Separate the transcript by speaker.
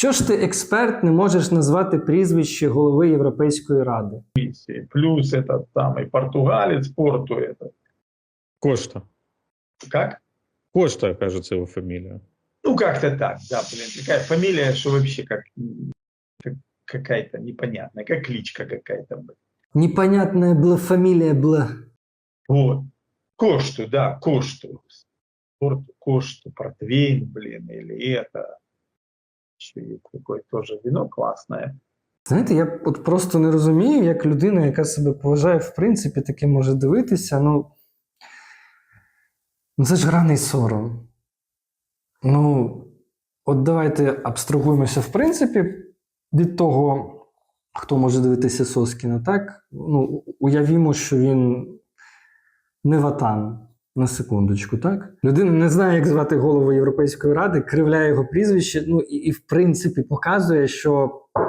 Speaker 1: Що ж ти, експерт, не можеш назвати прізвище голови Європейської Ради?
Speaker 2: Плюс этот самый португалец Порту этот.
Speaker 3: Кошта.
Speaker 2: Как?
Speaker 3: Кошта, кажется, его фамилия.
Speaker 2: Ну, как-то так, да, блин. Такая фамилия, что вообще как какая-то непонятная, как кличка какая-то.
Speaker 1: Непонятная была фамилия была.
Speaker 2: Вот. Кошту, да, Кошту. Порту, Кошту, портвейн, блин, или это. Еще есть такое тоже вино классное.
Speaker 1: Знаєте, я от просто не розумію, як людина, яка себе поважає, в принципі, таке може дивитися. Ну це ж граний сором. Ну, от давайте абстрагуємося, в принципі, від того, хто може дивитися Соскіна, так? Ну, уявімо, що він не Ватан, на секундочку, так? Людина не знає, як звати голову Європейської Ради, кривляє його прізвище, ну і в принципі показує, що